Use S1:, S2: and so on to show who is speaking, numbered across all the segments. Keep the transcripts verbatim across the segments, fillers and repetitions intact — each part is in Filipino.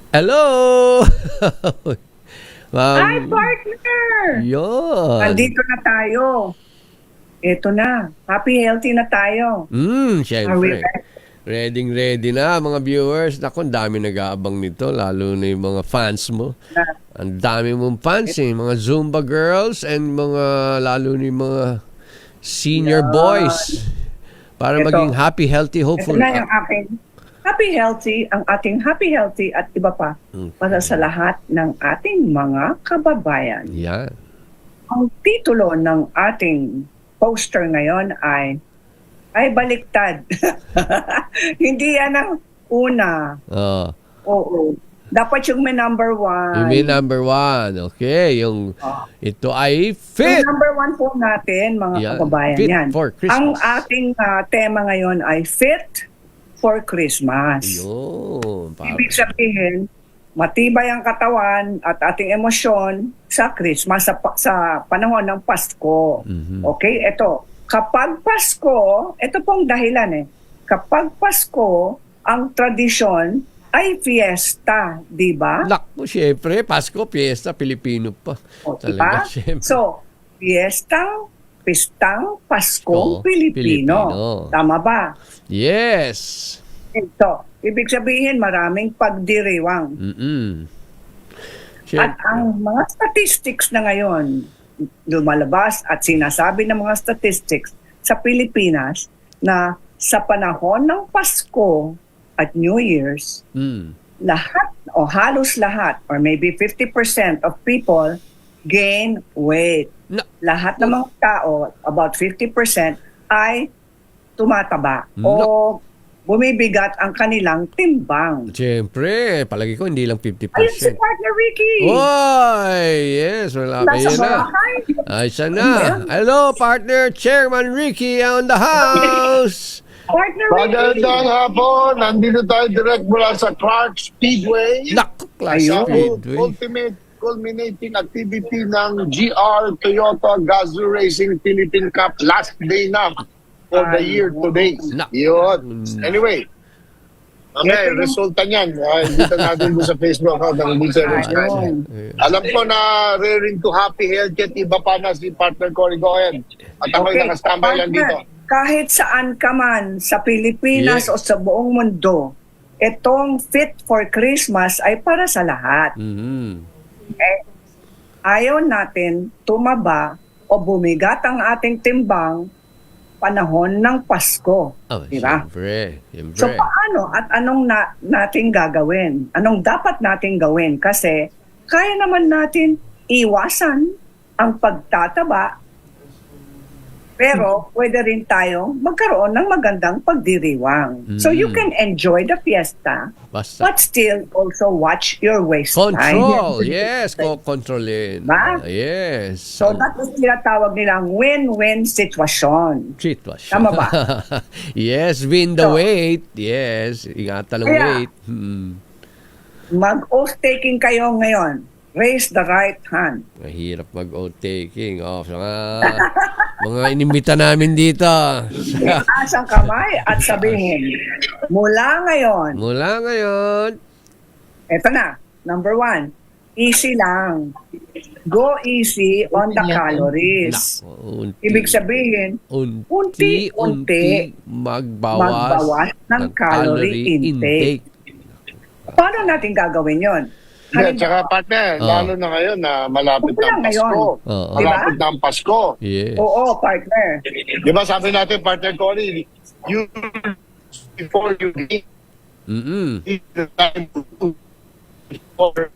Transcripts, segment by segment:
S1: Hello! Ma'am.
S2: Hi, partner!
S1: Yun.
S2: Nandito na tayo. Ito na. Happy, healthy na tayo.
S1: Mm,
S2: Are we
S1: syempre.
S2: ready?
S1: Ready, ready na mga viewers. Naku, ang dami nag-aabang nito, lalo na yung mga fans mo.
S2: Na-
S1: Ang dami mong fans eh. Mga Zumba girls and mga, lalo na yung mga senior
S2: Yan.
S1: boys. Para
S2: Ito.
S1: maging happy, healthy,
S2: Ito
S1: hopeful.
S2: na yung aking happy, healthy, ang ating happy, healthy at iba pa
S1: Mm.
S2: para sa lahat ng ating mga kababayan.
S1: Yan.
S2: Ang titulo ng ating poster ngayon ay ay baliktad. Hindi yan ang una.
S1: Oh.
S2: Oo. Dapat yung may number one.
S1: You mean number one. Okay. Yung,
S2: Oh.
S1: ito ay fit.
S2: Yung number one po natin, mga
S1: Yan.
S2: kababayan.
S1: Fit
S2: yan.
S1: for Christmas.
S2: Ang ating ah, tema ngayon ay Fit for Christmas.
S1: Yun. Para.
S2: Ibig sabihin, matibay ang katawan at ating emosyon sa Christmas, sa, pa- sa panahon ng Pasko.
S1: Mhm.
S2: Okay? Ito, kapag Pasko, ito pong dahilan eh. Kapag Pasko, ang tradisyon ay fiesta, di ba?
S1: Naku, syempre, Pasko, Fiesta, Pilipino pa.
S2: O,
S1: Talaga,
S2: diba?
S1: syempre.
S2: So, fiestang, pistang,
S1: Oo,
S2: Paskong Pilipino.
S1: Pilipino.
S2: Tama ba?
S1: Yes.
S2: Ito, ibig sabihin maraming pagdiriwang.
S1: Mm-mm.
S2: At
S1: Syempre.
S2: ang mga statistics na ngayon, lumalabas at sinasabi ng mga statistics sa Pilipinas na sa panahon ng Pasko at New Year's,
S1: Mm.
S2: lahat o halos lahat or maybe fifty percent of people gain weight.
S1: Na,
S2: Lahat ng mga tao, about fifty percent, ay tumataba
S1: No.
S2: o bumibigat ang kanilang timbang.
S1: syempre, palagi ko hindi lang fifty
S2: Ayun si
S1: percent.
S2: Partner Ricky!
S1: Oy, yes, wala pa
S2: Nasa
S1: yan na.
S2: bahay.
S1: Ay, siya na. Hello, partner, Chairman Ricky on the house.
S2: Partner Ricky!
S3: Magandang hapon. Nandito tayo direct mula sa Clark Speedway.
S1: Naku, class
S2: Ayun.
S3: Sa
S1: speedway.
S3: ultimate culminating activity ng G R Toyota Gazoo Racing Philippine Cup. Last day na for the year today.
S1: Nak-
S3: Yun. Anyway. Okay,
S2: Ito yung-
S3: resulta niyan. Uh, dito natin doon sa Facebook account ng Bulsa Racing.
S2: Ayun.
S3: Alam ko na rearing to happy health yet iba pa na si partner Cory Goen. At ako'y
S2: Okay,
S3: nakastambay lang dito.
S2: partner, kahit saan ka man sa Pilipinas
S1: Yes.
S2: o sa buong mundo, itong Fit for Christmas ay para sa lahat.
S1: Mhm.
S2: Eh, ayaw natin tumaba o bumigat ang ating timbang panahon ng Pasko.
S1: Oh,
S2: Diba?
S1: syempre, syempre.
S2: So paano at anong na, natin gagawin? Anong dapat natin gawin? Kasi kaya naman natin iwasan ang pagtataba, pero pwede rin tayo magkaroon ng magandang pagdiriwang. So you
S1: Mm.
S2: can enjoy the fiesta,
S1: Basta.
S2: but still also watch your waistline.
S1: Control. Yes, ko kontrolin.
S2: Ba?
S1: Yes.
S2: So that is tinatawag nilang win-win sitwasyon.
S1: Sitwasyon.
S2: Tama ba?
S1: Yes, win the
S2: So,
S1: weight. Yes, ingatan ng
S2: Kaya-
S1: weight. Hmm.
S2: Mag-oath taking kayo ngayon. Raise the right hand.
S1: Mahirap mag-oath taking. Oh, sa mga, mga inimbita namin dito.
S2: Itaas ang kamay at sabihin, mula ngayon,
S1: Mula ngayon,
S2: eto na, number one, easy lang. Go easy on the calories.
S1: nako, unti,
S2: Ibig sabihin,
S1: unti-unti
S2: unti-unti
S1: magbawas,
S2: magbawas ng calorie intake. Paano natin gagawin yon?
S3: At saka partner,
S1: Oh.
S3: lalo na ngayon na malapit
S2: Wala
S3: na ang
S2: ngayon.
S3: Pasko.
S1: Oo.
S3: Malapit na ang Pasko.
S1: Yes.
S2: Oo, partner.
S3: Di ba sabi natin, partner Cory, you, before you eat,
S1: Mm-mm.
S3: eat the time to do before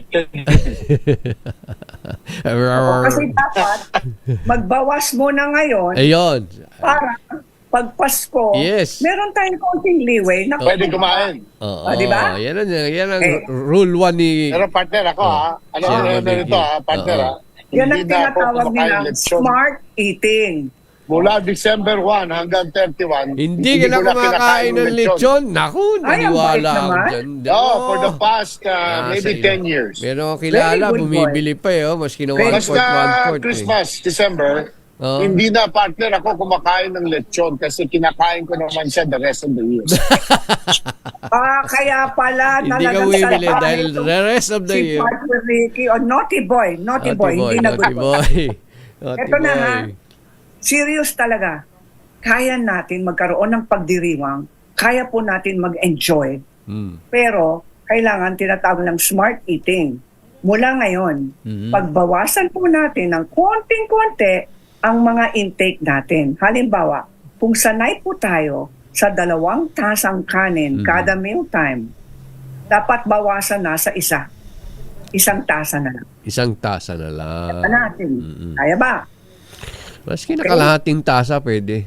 S2: Oo, kasi dapat magbawas muna ngayon
S1: Ayun.
S2: para pag Pasko,
S1: Yes.
S2: meron tayong konting leeway na
S3: pwede kumain.
S1: Oo.
S2: Ah, di ba?
S1: Yan ang, yan ang
S2: Eh.
S1: rule one ni...
S3: Pero partner ako
S1: Oh.
S3: ha, ano
S1: Sir
S3: ano ano
S1: Mabigil.
S3: nito ha, partner
S1: Oo.
S3: ha.
S2: yan ang
S3: Hindi na ako
S2: tinatawag
S3: kumakain
S2: nilang
S3: lechon.
S2: smart eating.
S3: Mula December first hanggang thirty-one,
S1: Hindi ka na
S3: ko kinakain
S1: kumakain ng lechon. Naku,
S2: Ay, ang bait
S1: naniwala ako
S2: naman.
S1: dyan.
S3: Oh, for the past uh,
S1: Ah,
S3: maybe
S1: sa
S3: ten
S1: iyo.
S3: years.
S1: Meron akong kilala,
S2: Very good
S1: bumibili pa eh. Oh, maski na
S2: Very
S1: one fourth, one
S3: Basta
S1: fourth. Eh.
S3: Christmas, December,
S1: Oh.
S3: Hindi na, partner, ako kumakain ng lechon kasi kinakain ko naman siya the rest of the year.
S2: Ah, kaya pala
S1: Hindi ka
S2: talagang
S1: bumibili
S2: salbahe
S1: dahil
S2: itong
S1: the rest of the
S2: si
S1: year.
S2: Partner Ricky, o naughty boy, naughty, boy, hindi na
S1: naughty
S2: good
S1: boy. Naughty
S2: Ito na
S1: boy.
S2: ha, serious talaga. Kaya natin magkaroon ng pagdiriwang, kaya po natin mag-enjoy,
S1: Hmm.
S2: pero kailangan tinatawag ng smart eating. Mula ngayon,
S1: Mhm.
S2: pagbawasan po natin ng konting-konti ang mga intake natin. Halimbawa, kung sanay po tayo sa dalawang tasang kanin
S1: Mhm.
S2: kada mealtime, dapat bawasan na sa isa. Isang tasa na lang.
S1: Isang tasa na lang.
S2: Ano natin?
S1: Mm-mm.
S2: Kaya ba?
S1: Maski nakalahating tasa pwede.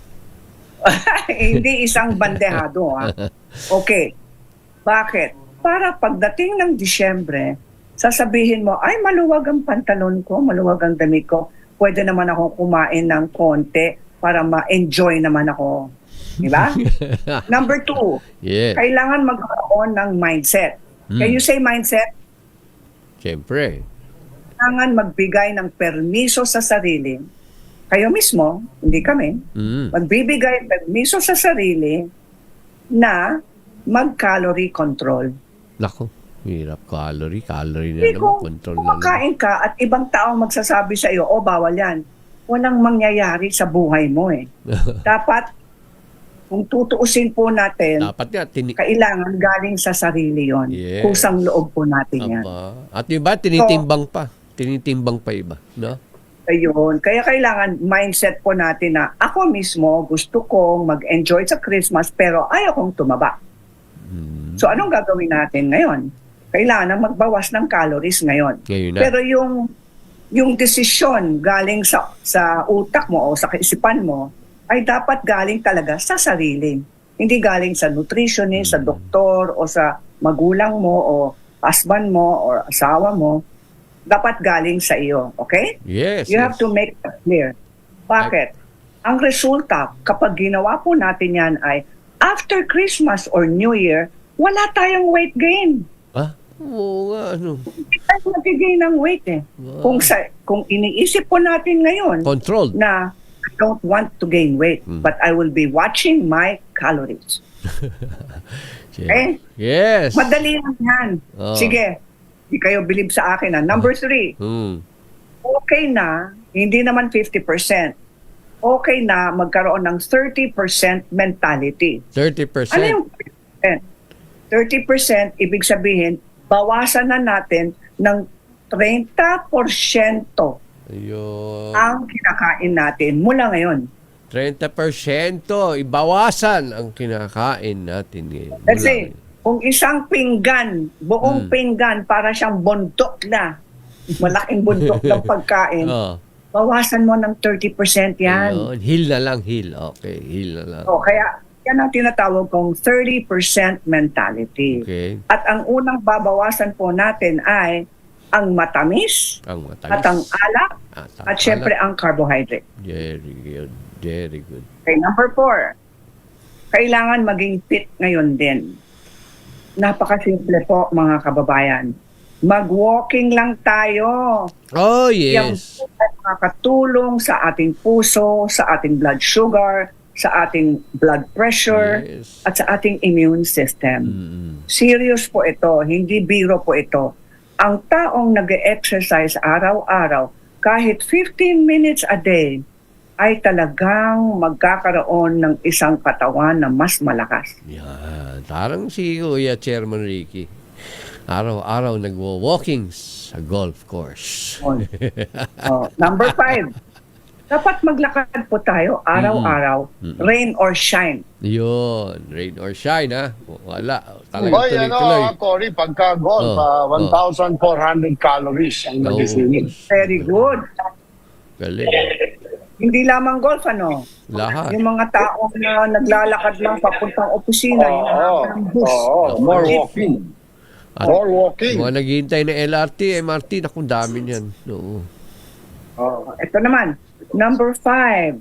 S2: Hindi isang bandehado. Ha? Okay. Bakit? Para pagdating ng Disyembre, sasabihin mo, ay maluwag ang pantalon ko, maluwag ang damit ko, pwede naman ako kumain ng konti para ma-enjoy naman ako. Di ba? Number two,
S1: Yeah.
S2: kailangan magkaroon ng mindset. Can
S1: Hmm.
S2: you say mindset?
S1: Siyempre.
S2: Kailangan magbigay ng permiso sa sarili. Kayo mismo, hindi kami,
S1: Mm.
S2: magbibigay permiso sa sarili na mag-calorie control.
S1: Nako, hirap calorie. Calorie na
S2: Hindi
S1: naman.
S2: kung
S1: Control na naman.
S2: kumakain ka at ibang tao magsasabi sa iyo, oh, bawal yan. Walang mangyayari sa buhay mo eh. Dapat, kung tutuusin po natin,
S1: Dapat nga, tini-
S2: kailangan galing sa sarili yon.
S1: Yes.
S2: Kusang loob po natin yan.
S1: Aba. At iba, tinitimbang pa. Tinitimbang pa iba. No?
S2: Ayun. Kaya kailangan mindset po natin na ako mismo gusto kong mag-enjoy sa Christmas pero ayaw kong tumaba.
S1: Mm.
S2: So anong gagawin natin ngayon? Kailangan magbawas ng calories ngayon.
S1: Ngayon na.
S2: Pero yung yung desisyon galing sa sa utak mo o sa kaisipan mo ay dapat galing talaga sa sarili. Hindi galing sa nutritionist, sa doktor o sa magulang mo o husband mo o asawa mo. Dapat galing sa iyo, okay?
S1: Yes.
S2: You
S1: yes.
S2: have to make that clear. Bakit? Ang resulta, kapag ginawa po natin yan ay after Christmas or New Year, wala tayong weight gain.
S1: Ah? Oo nga, ano.
S2: Hindi tayo nag-gain ng weight eh.
S1: Wow.
S2: Kung, sa, kung iniisip po natin ngayon
S1: Controlled.
S2: na I don't want to gain weight,
S1: Hmm.
S2: but I will be watching my calories. Eh?
S1: Yes.
S2: Madali lang yan.
S1: Oh.
S2: Sige, hindi kayo believe sa akin. Ha? Number three,
S1: Hmm.
S2: okay na, hindi naman fifty percent. Okay na magkaroon ng thirty percent mentality.
S1: thirty percent.
S2: Ano yung thirty percent? thirty percent, ibig sabihin, bawasan na natin ng thirty percent
S1: Ayun.
S2: ang kinakain natin mula ngayon.
S1: thirty percent ibawasan ang kinakain natin ngayon.
S2: Let's
S1: Mula
S2: say, kung isang pinggan, buong
S1: Hmm.
S2: pinggan, para siyang bundok na, malaking bundok ng pagkain,
S1: Oh,
S2: bawasan mo ng thirty percent yan.
S1: ayun. Heal na lang, heal. Okay, heal na lang.
S2: O, kaya yan ang tinatawag kong thirty percent mentality.
S1: Okay.
S2: At ang unang babawasan po natin ay ang matamis,
S1: Ang matamis.
S2: at ang alak,
S1: At ang
S2: at syempre
S1: alak.
S2: ang carbohydrate.
S1: Very good. Very good.
S2: Okay, number four, kailangan maging fit ngayon din. Napakasimple po mga kababayan. Mag-walking lang tayo.
S1: Oh,
S2: Yang
S1: yes.
S2: ay makakatulong sa ating puso, sa ating blood sugar, sa ating blood pressure,
S1: Yes.
S2: at sa ating immune system.
S1: Mm-mm.
S2: Serious po ito, hindi biro po ito. Ang taong nag-exercise araw-araw, kahit fifteen minutes a day, ay talagang magkakaroon ng isang katawan na mas malakas.
S1: Yan. Parang si Kuya Chairman Ricky. Araw-araw nagwo-walking sa golf course.
S2: Oh, number five, dapat maglakad po tayo araw-araw,
S1: Mm-mm.
S2: rain or shine.
S1: Yun. Rain or shine, ha? Wala. Talagang
S3: Oy, ano,
S1: tuloy-tuloy.
S3: ah, Cory, pagka golf,
S1: Oh,
S3: ah,
S1: oh.
S3: one thousand four hundred calories ang
S1: Oh,
S3: nagisingin.
S2: Very good.
S1: galing.
S2: Hindi lamang golf, ano?
S1: Lahat.
S2: Yung mga tao na naglalakad lang papuntang opisina, yung
S3: Oo,
S2: haba ng bus.
S3: oo, more
S2: Jeep.
S3: walking.
S1: At
S3: More walking.
S1: mga naghihintay na L R T, M R T, naku, dami niyan. Oo.
S2: Oh, ito naman, number five,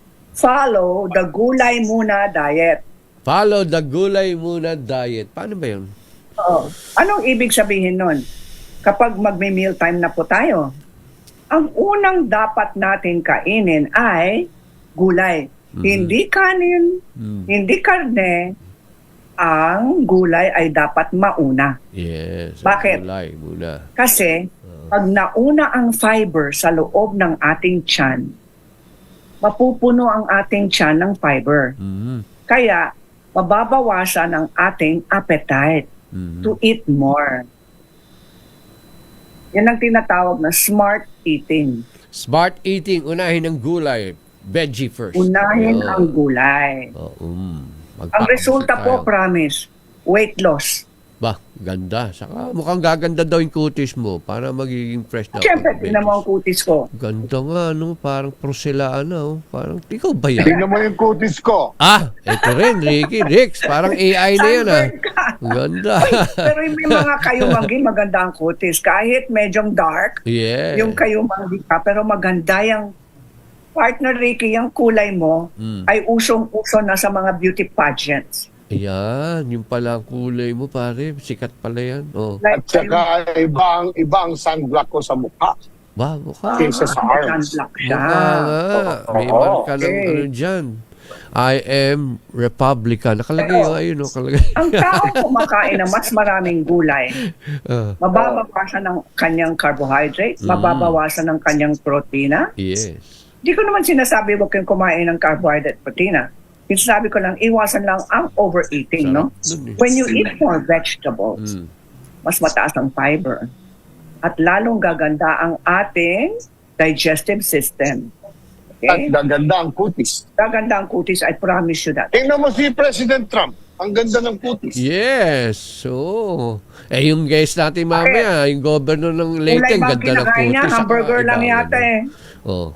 S2: follow the gulay muna diet.
S1: Follow the gulay muna diet. Paano ba yun?
S2: Oh, anong ibig sabihin nun? Kapag magme-meal time na po tayo, ang unang dapat natin kainin ay gulay.
S1: Mhm.
S2: Hindi kanin,
S1: Mm.
S2: hindi karne. Ang gulay ay dapat mauna.
S1: Yes.
S2: Bakit?
S1: Gulay muna.
S2: Kasi pag nauna ang fiber sa loob ng ating tiyan, mapupuno ang ating tiyan ng fiber.
S1: Mm.
S2: Kaya mababawasan ang ating appetite
S1: Mm.
S2: to eat more. Yan ang tinatawag na smart eating.
S1: Smart eating, unahin ang gulay. Veggie first.
S2: Unahin
S1: Oh.
S2: ang gulay.
S1: Oh, mm.
S2: Ang
S1: Magpapakita
S2: resulta po,
S1: tayo.
S2: promise, weight loss.
S1: Ba, ganda. Saka mukhang gaganda daw yung kutis mo para magiging fresh daw.
S2: Siyempre, tingnan mo ang kutis ko.
S1: Ganda nga, no? Parang porcelana, no? Parang, ikaw ba yan?
S3: Tingnan mo yung kutis ko.
S1: Ah, ito rin, Ricky. Rix, parang A I na yun, ah.
S2: Sunburn ka.
S1: Ganda.
S2: Pero yung may mga kayumanggi, maganda ang kutis. Kahit medyong dark,
S1: Yeah.
S2: yung kayumanggi ka, pero maganda yung partner Ricky, yung kulay mo
S1: Mm.
S2: ay usong-uso na sa mga beauty pageants.
S1: Ayan, yung pala ang kulay mo, pare. Sikat pala yan. Oh.
S3: At
S2: Like,
S3: saka ibang ibang sunblock ko sa mukha.
S1: Ba, mukha.
S3: Kaysa sa arms.
S2: sunblock siya.
S1: Mukha nga. May
S3: Oo,
S1: marka ng
S2: okay.
S1: ano dyan. I am Republican. Nakalagay
S2: Oo.
S1: yung ayun, no? Nakalagay.
S2: Ang tao kumakain ng mas maraming gulay,
S1: Ah,
S2: mababawasan ng kanyang carbohydrate,
S1: Mm.
S2: mababawasan ng kanyang protina.
S1: yes.
S2: Hindi ko naman sinasabi huwag kayong kumain ng carbohydrate protina. Sinasabi ko lang, iwasan lang ang overeating, no?
S1: Sarap nun, eh.
S2: When you eat more vegetables,
S1: Mm.
S2: mas mataas ang fiber. At lalong gaganda ang ating digestive system.
S3: At
S2: Okay?
S3: gaganda ang kutis.
S2: Gaganda ang kutis, I promise you that.
S3: Tingnan mo si President Trump. Ang ganda ng kutis.
S1: Yes. So, eh yung guest natin mamaya, yung governor ng Leyte,
S2: Kulay
S1: ang
S2: bang
S1: ganda ng
S2: kinakain niya?
S1: kutis.
S2: Hamburger lang
S1: Iba,
S2: yata
S1: ano.
S2: eh.
S1: Oh.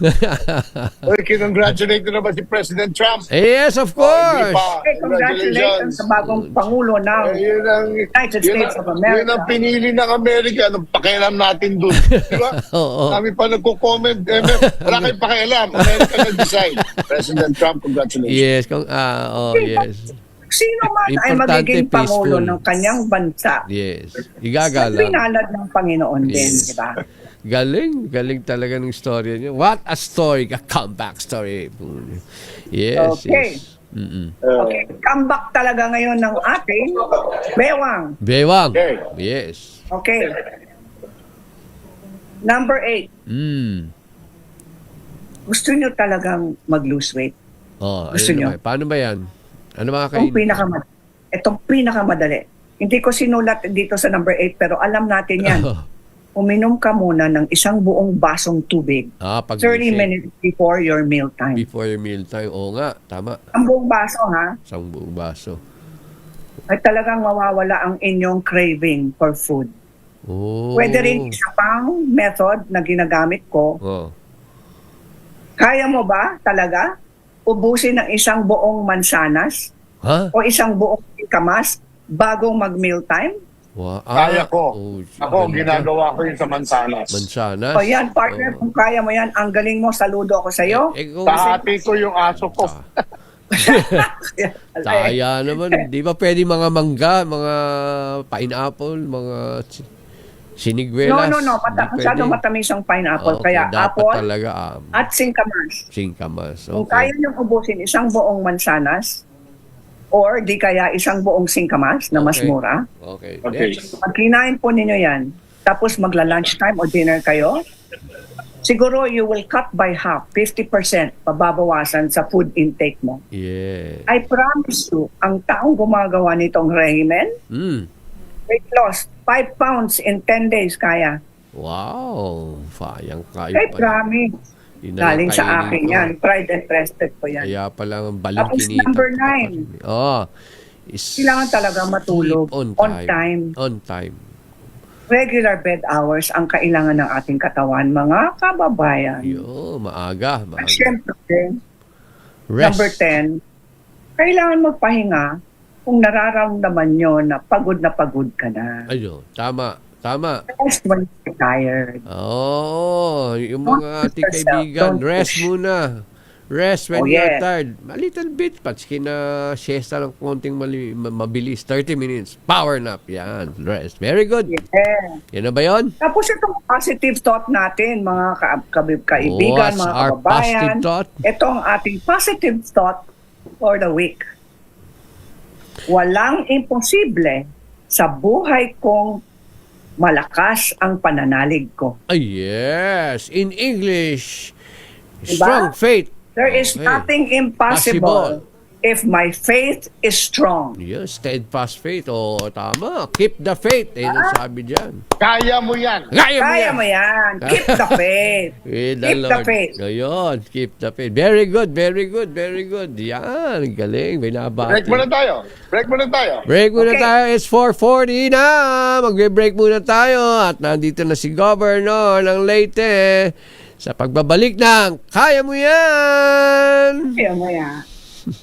S3: Uy, kinongratulate ko na ba si President Trump?
S1: Eh, yes, of
S3: Oh, hindi
S1: course.
S3: pa.
S2: Okay, congratulations sa bagong Pangulo ng
S3: Eh, yun ang,
S2: United
S3: yun
S2: States
S3: ang-
S2: of America.
S3: Yun ang pinili ng Amerika. Anong pakialam natin dun? Di ba?
S1: Oo.
S3: Kami pa nagko-comment. Eh, may- wala kayong pakialam. Amerika nag-decide. President Trump, congratulations.
S1: Yes, kung, ah, oh, yes.
S2: Sino man ay
S1: Importante,
S2: magiging Pangulo
S1: peaceful.
S2: ng kanyang bansa,
S1: Yes.
S2: ay
S1: Igagalang.
S2: binalad ng Panginoon din,
S1: Yes.
S2: di ba?
S1: Galing, galing talaga ng story niya. What a story, a comeback story. Yes,
S2: Okay.
S1: yes. Mm-mm.
S3: Uh,
S2: Okay, comeback talaga ngayon ng ating bewang.
S1: Bewang.
S3: Okay.
S1: Yes.
S2: Okay. Number eight,
S1: Mm.
S2: gusto nyo talagang mag-lose weight?
S1: Oh,
S2: Gusto
S1: ayun
S2: nyo?
S1: naman. Paano ba yan? Ano mga
S2: Itong
S1: kain?
S2: pinakamadali. Itong pinakamadali. Hindi ko sinulat dito sa number eight, pero alam natin yan. Uminom ka muna ng isang buong basong tubig
S1: ah, pag
S2: thirty minutes before your meal time.
S1: Before your meal time. Oo nga, tama.
S2: Ang buong baso, ha?
S1: Isang buong baso.
S2: Ay talagang mawawala ang inyong craving for food.
S1: Oh.
S2: Pwede rin isa pang method na ginagamit ko.
S1: Oh.
S2: Kaya mo ba talaga ubusin ng isang buong mansanas
S1: Ha?
S2: o isang buong kamas bagong mag-meal time?
S1: Wow.
S3: Kaya ko.
S1: Oh,
S3: Ako,
S1: ganda.
S3: ginagawa ko yun sa Mansanas.
S1: Mansanas.
S2: O yan, partner,
S1: Oh.
S2: kung kaya mo yan, ang galing mo, saludo ako sa iyo.
S1: Eh, kung
S3: Tahati ko yung aso ko.
S1: Kaya naman, di ba pwede mga mangga, mga pineapple, mga si-
S2: No,
S1: siniguelas?
S2: no, no. Mata-
S1: Di
S2: masyado
S1: pwede.
S2: matamis ang pineapple.
S1: Okay,
S2: Kaya
S1: dapat
S2: apple
S1: talaga um,
S2: at singkamas.
S1: singkamas.
S2: Kung
S1: Okay.
S2: kaya niyong ubusin isang buong mansanas or di kaya isang buong singkamas na mas
S1: Okay.
S2: mura,
S1: Okay.
S3: Okay.
S1: Next.
S2: pag kinain po ninyo yan, tapos magla-lunch time o dinner kayo, siguro you will cut by half, fifty percent pababawasan sa food intake mo.
S1: Yeah.
S2: I promise you, ang taong gumagawa nitong regimen,
S1: Mm.
S2: weight loss, five pounds in ten days kaya.
S1: Wow. Sayang kayo
S2: I
S1: pala.
S2: promise.
S1: Yun na lang
S2: Galing sa
S1: kainin
S2: akin
S1: ko.
S2: yan. Tried and trusted ko yan.
S1: Kaya pala ang
S2: Tapos
S1: balangkinita.
S2: number nine.
S1: Oh. Is
S2: Kailangan talaga matulog
S1: sleep on
S2: on
S1: time.
S2: time.
S1: On time.
S2: Regular bed hours ang kailangan ng ating katawan, mga kababayan.
S1: Yo, maaga.
S2: At
S1: maaga.
S2: syempre,
S1: Rest.
S2: number ten, kailangan magpahinga kung nararamdaman nyo na pagod na pagod ka na.
S1: Ayun, tama. Tama.
S2: Rest when you're tired.
S1: Oh, yung
S2: Don't
S1: mga
S2: push
S1: ating
S2: yourself.
S1: kaibigan,
S2: Don't
S1: rest
S2: push.
S1: muna. Rest when
S2: Oh,
S1: you're
S2: yes.
S1: tired. A little bit. Patski na siesta ng konting mali, ma- mabilis. thirty minutes. Power nap. Yan. Rest. Very good.
S2: Yeah.
S1: Yan na ba yun?
S2: Tapos itong positive thought natin, mga ka- ka- kaibigan,
S1: What's
S2: mga
S1: our
S2: kababayan.
S1: positive thought?
S2: Ito ang ating positive thought for the week. Walang imposible sa buhay kong malakas ang pananalig ko.
S1: Ay, yes. In English,
S2: Diba?
S1: strong faith.
S2: There is
S1: Okay.
S2: nothing impossible if my faith is strong.
S1: Yes, steadfast faith. O, tama. Keep the faith. Eh,
S2: Ah.
S1: sabi dyan.
S3: Kaya mo yan.
S1: Kaya mo
S2: Kaya
S1: yan.
S2: mo yan. Keep the faith.
S1: With the
S2: Keep the
S1: Lord.
S2: faith.
S1: Ngayon, keep the faith. Very good, very good, very good. Yan, galing. Binabati.
S3: Break muna tayo. Break muna tayo.
S1: Break muna
S2: Okay.
S1: tayo. It's four forty na. Magbe-break muna tayo. At nandito na si Governor ng Leyte sa pagbabalik ng Kaya Mo Yan!
S2: Kaya mo yan.